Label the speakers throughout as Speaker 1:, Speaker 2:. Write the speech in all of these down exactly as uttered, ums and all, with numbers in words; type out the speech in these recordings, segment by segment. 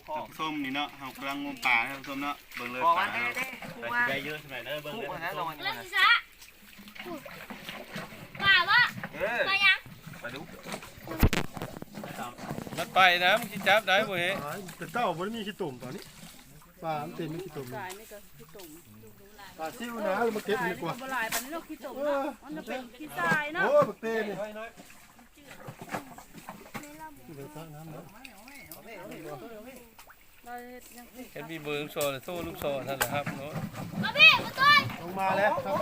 Speaker 1: ส้มนี่เนาะเฮากำลังงมป่าท่านผู้ชมเนาะเบิ่งเลยป่าเนาะได้เยอะใช่ไหมเด้อเบิ่งเลยนะลงเรื่องที่ซะป่าวะไปยังไปดู
Speaker 2: มันไปนะมึงจับได้บ่เฮ้
Speaker 3: แต่เต้าบ่ได้มีขี้ตุ่มตอนนี้ปลามันเต็มมีขี้ตุ่มปลาซิวนะมาเก็บดีกว่า
Speaker 4: บ่หลายปานนี้เนาะขี้ตุ่มเนาะมันจะเป็นขี้ทรายเนาะ
Speaker 3: โอ้บักเต้นี่เดี๋ยวตั้งน้ำนะ
Speaker 2: เห็นมีเบอร์ลูกศรโซ่ลูกศรท่านเหรอครับเนาะ
Speaker 1: มาพี่มาต้น
Speaker 3: ลงมาแล้วครับ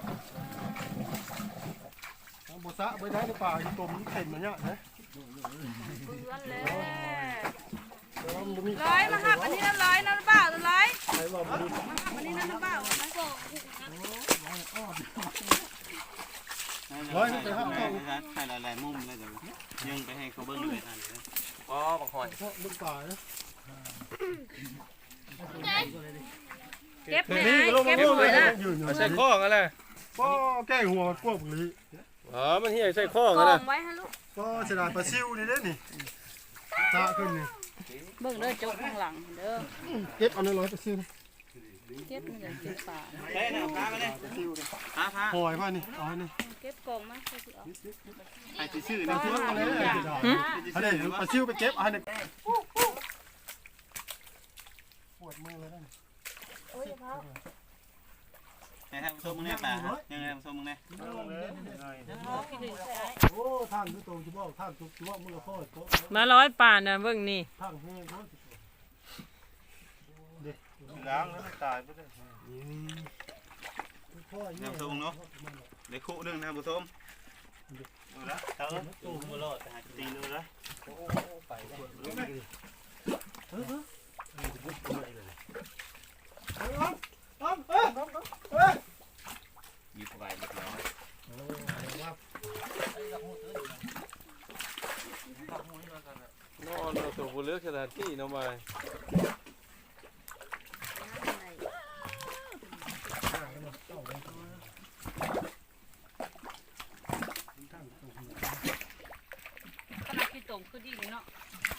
Speaker 3: ทางบ่ซะไปได้ในป่าขี้ตุ่มเต็มมาเนี่ยนะ
Speaker 4: เบื่อแล้วร้อยมาหับอันนี้นะร้อยนะเปล่าร้อยมาหับอันนี้นะเปล่า
Speaker 1: ร้อยไปครับให้หลายๆมุมเลยเดี๋ยวยังไปให้เขาเบิ้งเลยท่านเลยอ๋อบางคน
Speaker 3: ลูกป่านะ
Speaker 4: เก็บไม่ได้เก็บหมดละ
Speaker 2: ใส่ข้องอะไร
Speaker 3: ก็แก้หัวกวบนี้
Speaker 2: อ๋อมันเหี้ยใส่ข้องอะไร
Speaker 4: ไว้ฮะลูก
Speaker 3: ก็เสียดายปลาซิวนี่เด้นี่ตาขึ้นนี่
Speaker 4: เบิ่งเด้อจกข้างหลังเด้อ
Speaker 3: เก็บเอาในร้อยปลาซิว
Speaker 4: เก็บมันจะเก็บป่า
Speaker 1: เฮ้ยนะพามาเลยพาพา
Speaker 3: ปล่อยมานี่เอาให้นี่
Speaker 4: เก็บกล่องมาใส่สิเอา
Speaker 1: ไอ้ที่ชื่อนะชื่อ
Speaker 3: อะไรอันนี้ปลาซิวไปเก็บอันนี้ปวดมือเลยนั่น
Speaker 4: โอ้ยพ่อ
Speaker 1: ให้ทำส้มมึงเนี่ยป่ายังไงทำส้มมึงเนี่ย
Speaker 3: โอ้ท่านทุกตัวจะบอกท่านทุกตัวมือพ่อโต
Speaker 4: มาร้อยป่านะเบิ่งนี่
Speaker 3: ท่านแห้งเขาเด็ก
Speaker 1: ล้างแล้วมันตายไปเลยทำส้มเนาะเด็กคู่นึงนะผู้ชมดูนะเติมตู้มือรอดแต่หาตีเลยนะโอ้ไปได้เฮ้ยเฮ้ยหยิบไปหยิบแล้ว
Speaker 2: นอนเราตัวผู้เลือกสถานที่น้องไป
Speaker 4: ขนาดขี้ตุ่มคือดีเลยเนาะ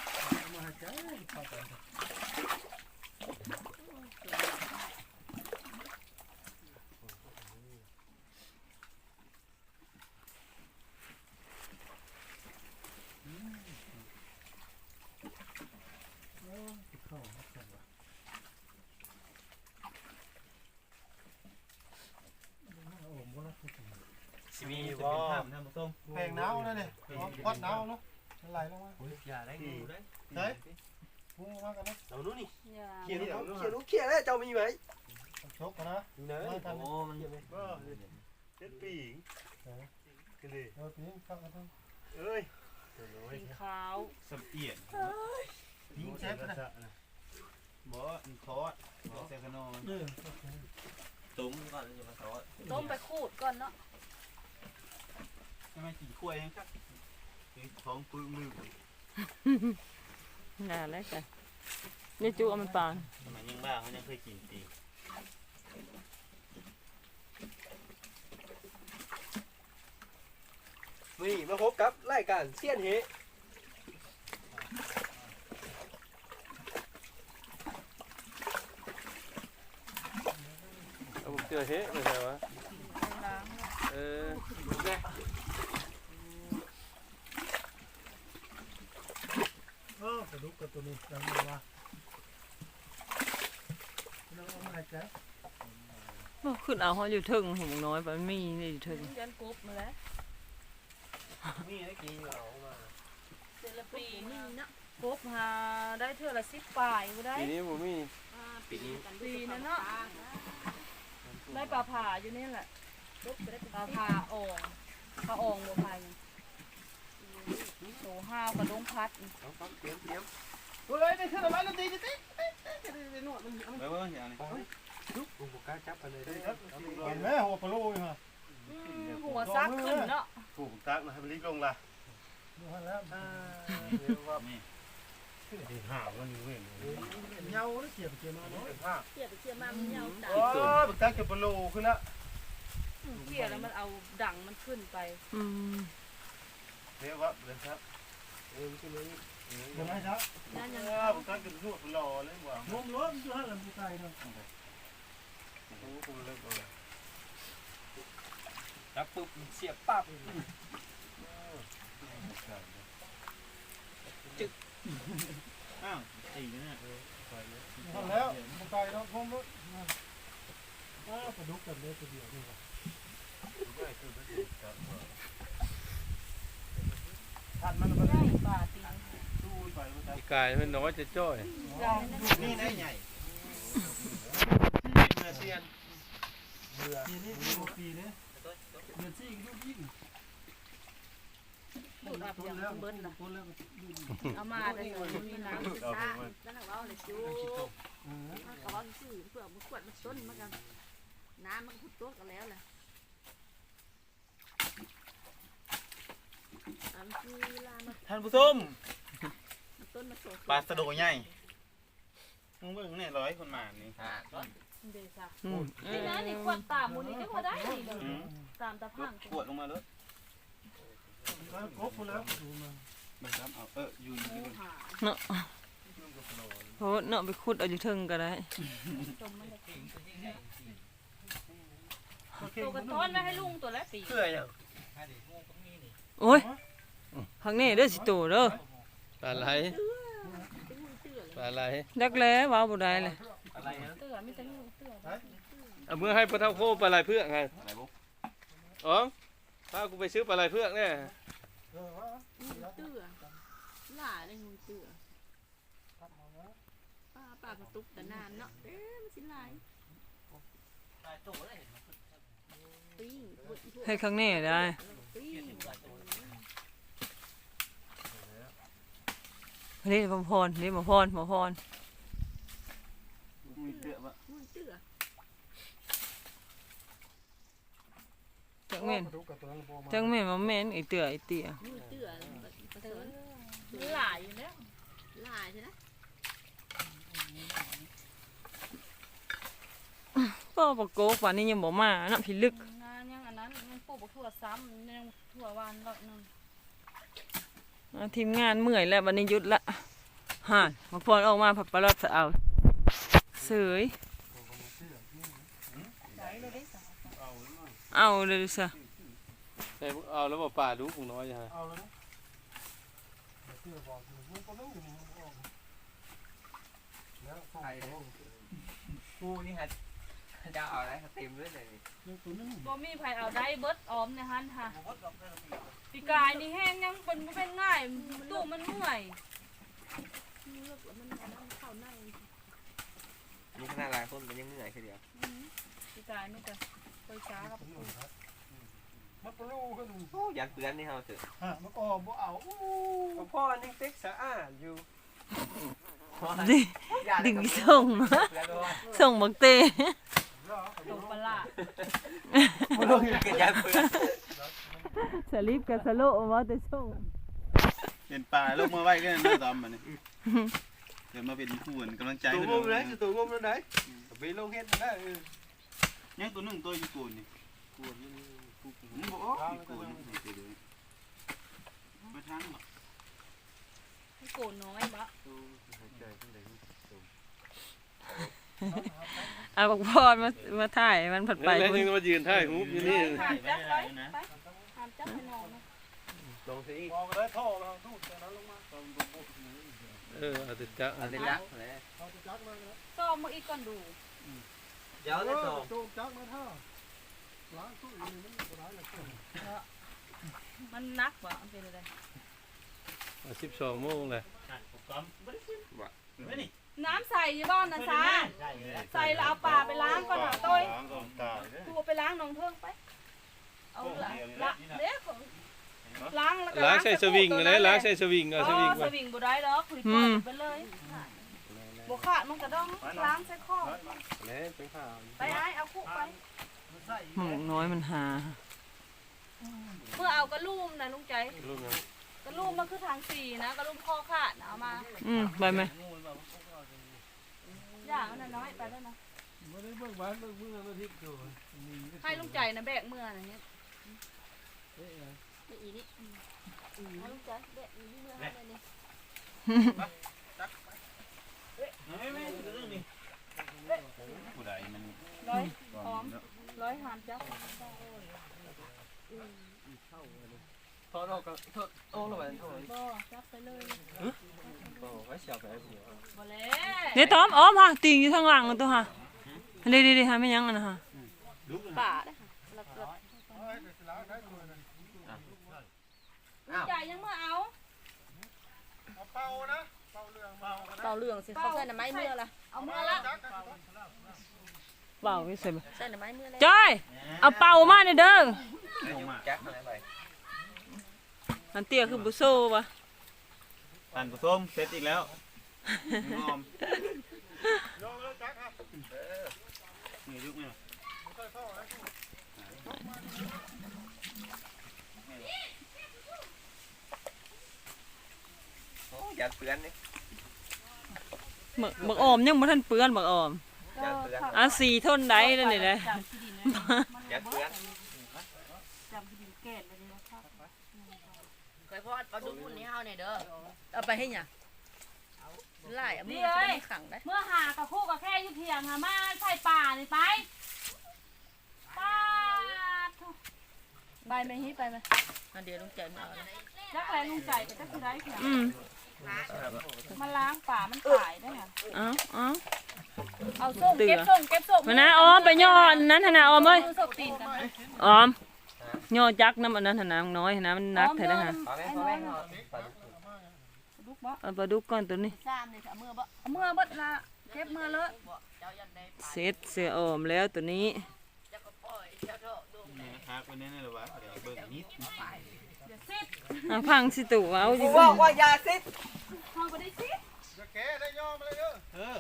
Speaker 1: มีบ่ทำส้ม
Speaker 3: แพงหนาวนั่นนี่วัดหนาวเนาะไหลลงมา
Speaker 1: อย่าได้ดูได้
Speaker 3: เฮ้ยพุ่งมากันนะ
Speaker 1: เรานู้นนี่
Speaker 3: เขียนเขียนเขียนแล้วเจ้ามีไหมชกนะเนื้อโอ้มันก็เจ็ดปีกันดิเออปีข้าวกันทั้งเอ้ย
Speaker 4: สีขาว
Speaker 1: สมเอียน
Speaker 3: ยิงเชฟนะ
Speaker 1: บ่อินคอร์ดบ่เซคโนต้มก่อนจะมาทอด
Speaker 4: ต้มไปขูดก่อนเนาะ
Speaker 1: ทำไมกินกล้วยยังครับท้องปื้มลืม
Speaker 4: น่าแล้วกันนี่จูเอามันปาน
Speaker 1: ทำไมยังบ้าเขายังเคยกินตี
Speaker 5: นี่มาพบกับรายการเซียนเฮ
Speaker 2: เอาผมเจอเฮ้ไม่ใช่วะเออ
Speaker 3: เออกระดูกกับตัวนี้ยังไงวะน้องมาแจ๊
Speaker 4: บขึ้นเอาเขาอยู่ถึงหงน้อยไปมีนี่อยู่ถึงยันกบมาแล้ว
Speaker 5: นี่ได้กี่เอามา
Speaker 4: เซลปีนี่นะกบหาได้เท่าละสิบปลายก็ได้
Speaker 2: ปีนี้ผมมี
Speaker 4: ปีนี้ปีนั้นเนาะได้ปลาผ่าอยู่นี่แหละปลาผ่าอ่องปลาอ่องบัวพายโซ่ห้าวกระดงพัด
Speaker 5: เตรียมเตรียม
Speaker 3: เฮ้ยได้ขึ้นมาแล้วตีตีตีตีหนวดมัน
Speaker 1: เบ้อเบ้ออย่างนี้
Speaker 5: ลุกลุกกล้าจับกันเลยได้
Speaker 3: เห็นไหมหัวปลาโลยฮะ
Speaker 4: หัวซักขึ้นเนาะ
Speaker 1: ถูกตักนะให้มันลิกลงละ
Speaker 3: ดูฮันแล้ว
Speaker 1: เรียกว่านี่
Speaker 3: หาวันนี้เว้ยเงาเกี่ยวเกี่ยวมาเนาะ
Speaker 4: เกี่ยวเกี่ยวมามันเงา
Speaker 3: โอ้บักตักเกี่ยวปลาโลขึ้นละ
Speaker 4: เกี่ยวแล้วมันเอาดังมันขึ้นไป
Speaker 1: เรียกว่าเรียกครับ
Speaker 5: เออขึ้นเลย
Speaker 3: ยังไงจ๊ะ
Speaker 4: นั่นยัง
Speaker 1: เออผมก็กินทั่วรอเลยว่ะ
Speaker 3: งมล้มด้วยลำพูไตเนาะ
Speaker 1: โอ้คุณเลิกเอาเลย
Speaker 5: จับปุ๊บเสียบปั๊บ
Speaker 1: อ้าวตีนะเนี่ย
Speaker 3: ทำแล้วพูไตเนาะงมล้มอ้าวกระดุกกันเลยตัวเดียวนี่ว่ะ
Speaker 1: ท่านมัน
Speaker 4: ใหญ่ป่าตี
Speaker 1: สู้ไปมันจะ
Speaker 2: อีกายมันน้อยจะจ้อย
Speaker 4: ใหญ่
Speaker 1: นี่ได้ใหญ่เนื้อเซียน
Speaker 3: ปีนี้ปีกว่าปีนี้เดือนสี่ก็ยิ่ง
Speaker 4: พูดอับ
Speaker 3: ต้
Speaker 4: อน ย่าง
Speaker 3: แล้ว
Speaker 4: เบิ้ลล่ะ
Speaker 3: ต้นแล้ว
Speaker 4: เอามาแต่สวยมีน้ำ
Speaker 6: ซ่าแล้วเราเอาเลยจู
Speaker 3: เออ
Speaker 6: เขาบอกสื่อเพื่อมันขวดมันต้นมันกันน้ำมันขุดตัวกันแล้วแหละอันคือเวลามัน
Speaker 1: ท่านผู้ชม
Speaker 6: ต้นมันโต
Speaker 1: ปลาสะโดใหญ่มึงเบิ่งเนี่ยร้อยคนมานี่
Speaker 4: เดซ่า
Speaker 2: อืม
Speaker 4: นี่นะนี่ขวดตามมูนี่ก็พอได้นี่เลย
Speaker 1: อืม
Speaker 4: ตามตะพัง
Speaker 1: ขวดลงมาเลย
Speaker 3: แล้วกบแล้วดูมา
Speaker 1: มันครับเอาเอออยู่อยู่
Speaker 4: หมู
Speaker 1: ที่
Speaker 4: หา
Speaker 7: โหเนาะไปขุดเอาอยู่เทิงก็ได้
Speaker 4: จมมันเลยตัวกระท้อนไว้ให้ลุงตัวละปี
Speaker 5: เพื่ออย่าง
Speaker 7: โอ้ยข้างนี้เด้อสิโตเด้อ
Speaker 2: ปลาไหล
Speaker 6: เป็นหุ่นเตื้อเลย
Speaker 2: ปลาไหล
Speaker 7: ดักแล้ว้าวบ่ได้เลย
Speaker 5: อะไรฮะ
Speaker 4: เตื้อมีแต่งูเตื้อ
Speaker 2: เอาเมื่อให้ปลาเท่าโคปลาไหลเพื่อกไง
Speaker 1: อะไรบุ๊ก
Speaker 2: อ๋อพากูไปซื้อปลาไหลเพื่อกเนี่ย
Speaker 3: เออว่า
Speaker 6: หุ่นเตื้อหล่าเลยหุ่นเตื้อป้าป้ากระตุกแต่นานเนาะเอ๊ะมันสิลายปิ้ง
Speaker 7: ให้ข้างนี้ได้
Speaker 6: ปิ้ง
Speaker 7: นี่บ่พรนี่บ่พรบ่พร
Speaker 1: มีเตื้อปะ
Speaker 6: หุ่นเตื้อ
Speaker 7: จังแม่น
Speaker 3: กระดุกกับตัวนั้นพอมา
Speaker 7: จังแม่นบ่แม่นไอ้เตื้อไอ้เตี้ย
Speaker 6: หุ่นเตื้อประเสริฐ
Speaker 4: มันหลายอยู่แล้ว
Speaker 6: ลายใช่ไหม
Speaker 7: ป้อบ่โกกว่านี้ยังบ่มาน้ำพิลึก
Speaker 4: งานยังอันนั้นยังปลูกบักถั่วซ้ำยังถั่วหวานร้อยหนึง
Speaker 7: อ่าทีมงานเมื่อยแล้ววันนี้หยุดละห่านบ่พรออกมาผัดปลาลอดเอาเสย
Speaker 4: ได้เลยได้สาว
Speaker 7: เอาเลยซะ
Speaker 2: ใส่เอาแล้วบ่ปลาดูกูน้อยฮะ
Speaker 3: เอาเลยนะเสื้อบอกมันก็ต้องอยู่ในห้องแล้วฟองตัว
Speaker 5: กูนี่ฮะจะเอาอะไรเต็มเลยเลย
Speaker 3: ตัวนึง
Speaker 4: บ่มีไผเอาได้เบิดออมในหันค่ะปีกายนี่แห้งยังเป็นบ่เป็นง่ายตู้มันเมื่อย
Speaker 6: เลือกแล้วมันมันเข้าใน
Speaker 5: มีขนาดหลายคนมันยังเหนื่อยแค่เดียว
Speaker 4: ปีกายนี่ก็ไปช้าครับ
Speaker 3: มันปลูกกันดู
Speaker 5: โอ้ยันเปื้อนนี่เฮาเถอะ
Speaker 3: ฮะมันก็บ่เอา
Speaker 5: พ่อนี่เต็กสะอาดอยู่
Speaker 7: ดิดึงส่งมาส่งบักเต
Speaker 4: ตกปลา
Speaker 5: ไม่ต้องกินยันเปื้อน
Speaker 7: สลิปกับสโลว่าแต่ส่ง
Speaker 1: เห็นปลาลงมาไว้ก็นั่นเลยตอมมันนี่เดี๋ยวมาเป็นผู้นกำลังใจ
Speaker 5: ตัว
Speaker 1: เพิ่น
Speaker 5: งมเลยตัวงมเลยไหนไปลงเฮ็ดได้
Speaker 1: ยังตัวหนึงตัวอยู่กูนี่กูนี่กูมึงบอกอ๋ออยู่กูนี่ตัวเดียวมาทางบ่
Speaker 4: ให้โกนน้อยบะ
Speaker 7: เอาบักพรมามาถ่ายมันผัดไป
Speaker 2: แล้ว
Speaker 7: พุ่น
Speaker 2: ยังมายืนท่ายฮูบอยู่นี่
Speaker 4: หามจับไว้ไปหามจับให้น้องนะ
Speaker 5: ลงสิ
Speaker 3: มองได้ท่อเราดูดแต่นั้นลงมา
Speaker 2: เออเอาแต่จะ
Speaker 5: อันนี้ละเลย
Speaker 3: เขาจะจักมาแล้ว
Speaker 4: ซ้อมมาอีกก่อนดู
Speaker 5: เดี๋ยวได้สอง
Speaker 3: โจมจักมาท่าล้างตู้นี่มันบ่ได้ละ
Speaker 4: มันนักบ่มันเป็นอะไร
Speaker 2: สิบสองโมงเลย
Speaker 4: น้ำใส่ยี่บ้านนะซาใส่แล้วเอาปลาไปล้างก่อนหาต้อยตัวไปล้างน้องเพิ่งไป เอาละละเด็กล้างแล้วก็
Speaker 2: ล้างใส่สวิงเลยล้างใส่สวิงเอาส
Speaker 4: อ๋
Speaker 2: วิง
Speaker 4: อ
Speaker 2: ไป
Speaker 4: สวิงบ่ได้ดอกคุยปล่อยไปเลยบ่ขาดมันก็ต้องล้างใส่ข้อ
Speaker 5: เลยเป็นข้าว
Speaker 4: ไปไอ้เอาคุกไป
Speaker 7: หมูน้อยมันหา
Speaker 4: เมื่อเอากระลุ่มนะลุงใจ
Speaker 2: รู้ไหม
Speaker 4: กระลุ่มมันคือทางสี่นะกระลุ่มข้อขาดนะเอามา
Speaker 7: อืมไปไหม
Speaker 4: อย่างนั้นน้อยไปแล้วนะ
Speaker 3: บ่ได้เบิ่งบ้านเบิ่งเมืองมาทิพย์อยู่
Speaker 4: ให้ลุงใจนะแบกเมื่ออะไรเงี้ย
Speaker 6: อีนี่เอาลูกจ้ะเด็กอีนี่เมื่อไรนี่
Speaker 1: ผู้ใดมัน
Speaker 4: ร้อยหอมร้อยหามจับ
Speaker 5: ทอดออกก็ทอดโอ้ลงไปทอด
Speaker 4: บ่จับไปเลย
Speaker 5: ก็ไว้เสียบไปสิ
Speaker 4: บ่แล้ว
Speaker 7: เดี๋ยวตอมอ้อมฮะติงอยู่ทางหลังตัวฮะเดี๋ยวเดี๋ยวหาไม่ยั้งนะฮะ
Speaker 6: ป่าได้ค่ะแล้วก็
Speaker 4: ใหญ่ยังมาเอา
Speaker 3: เป่านะเป่าเรื่องเป่า
Speaker 6: เป่าเหลืองสิเขาใส่หน่อไม้เมื่อละ
Speaker 4: เอามือละ
Speaker 7: เปล่าไม่ใส่บ่
Speaker 6: ใส่หน่อไม้เมื่อเลย
Speaker 7: จ้อยเอาเป่ามาเนี่ยเด้อ
Speaker 5: แจ็คอะไรไป
Speaker 7: อันเตี้ยคือบุโซ่ปะ
Speaker 1: ท่านผู้ชมเสร็จอีกแล้วงอม
Speaker 3: โยงแล้วจักครับ
Speaker 1: นี่ยุกไหม
Speaker 3: ค่อยเข้านะ
Speaker 5: โอ้ยัดเปื้อนนี่
Speaker 7: บักบักออมยังบ่ทันเปื้อนบักออม
Speaker 5: ยัดเปื้อน
Speaker 7: อ่ะสีทนได้แล้วนี่แหละ
Speaker 5: ยัดเปื้อน
Speaker 4: จำที่ดินแก่นเลยนะครับ
Speaker 6: เคยพอดเอาดูคนนี้เฮาเนี่ยเด้อเอาไปให้หยังไล่เอามือจะได้ขังได้
Speaker 4: เมื่อหากับคู่กับแค่ยุเทียงหามาใส่ป่านี่ไปป่าไปไหมฮิไปไหม
Speaker 6: อันเดียวลุงใจมาเอา
Speaker 4: จักแรงลุงใจแต่จักคือได้เพียง
Speaker 7: อืม
Speaker 4: มาล้างป่ามันตายได้ค่ะ
Speaker 7: เอ้าเอ้า
Speaker 4: เอาส่งเก็บส่งเก็บส่ง
Speaker 7: มานะออมไปย่ออันนั้นหั่นน่ะออมเอ้ย
Speaker 4: ส่งตีนกัน
Speaker 7: ออมย่อจักน้ำอันนั้นหั่นน่ะน้อยหั่นน่ะมันหนักแท้นะฮะ
Speaker 5: พอแม่พอแม่ปลาดุก
Speaker 4: ลูกบ่
Speaker 7: เอาปลาดุกก่อนตัวนี้
Speaker 6: ซ้ำเลยเอามือบ่
Speaker 4: เอามื่อเบิดละเก็บมื่อเลอะ
Speaker 6: เจ้ายันได้
Speaker 7: เสร็จเสือออมแล้วตัวนี้
Speaker 6: เจ้าก็ปล่อยเจ้าโดดดู
Speaker 1: นี่ฮักไว้แน่ๆเลยว่ะเดี๋ยวเบิ่งนิด
Speaker 4: เดี๋ยวซิด
Speaker 7: อ่ะพังสิตู่เอาสิ
Speaker 5: บอกว่ายาซิด
Speaker 4: เข้าไปได้ซิด
Speaker 3: จะแกได้ย่อมาเลยเด้อ
Speaker 1: เออ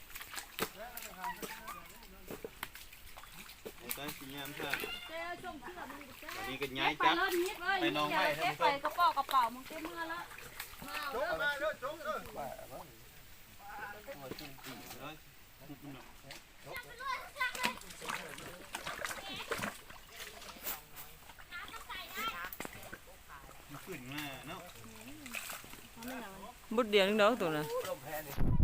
Speaker 1: ไอ้ตอนสิยามซ่า
Speaker 4: เจ้าส่งเสื้อมันก็
Speaker 1: อันนี้ก็
Speaker 4: เก็
Speaker 1: ย้าย
Speaker 4: บไป
Speaker 1: จัก
Speaker 4: เลยนิดเลยเก็บไปกระเป๋ากระเป๋ามึงเก็บมื่อละ
Speaker 3: โจกมาเด้อโจกเด้อ
Speaker 1: ขึ้นมาเนาะ
Speaker 7: บุดเดียวนึงเด้อตัวน่ะ
Speaker 5: ลมแพ้นี่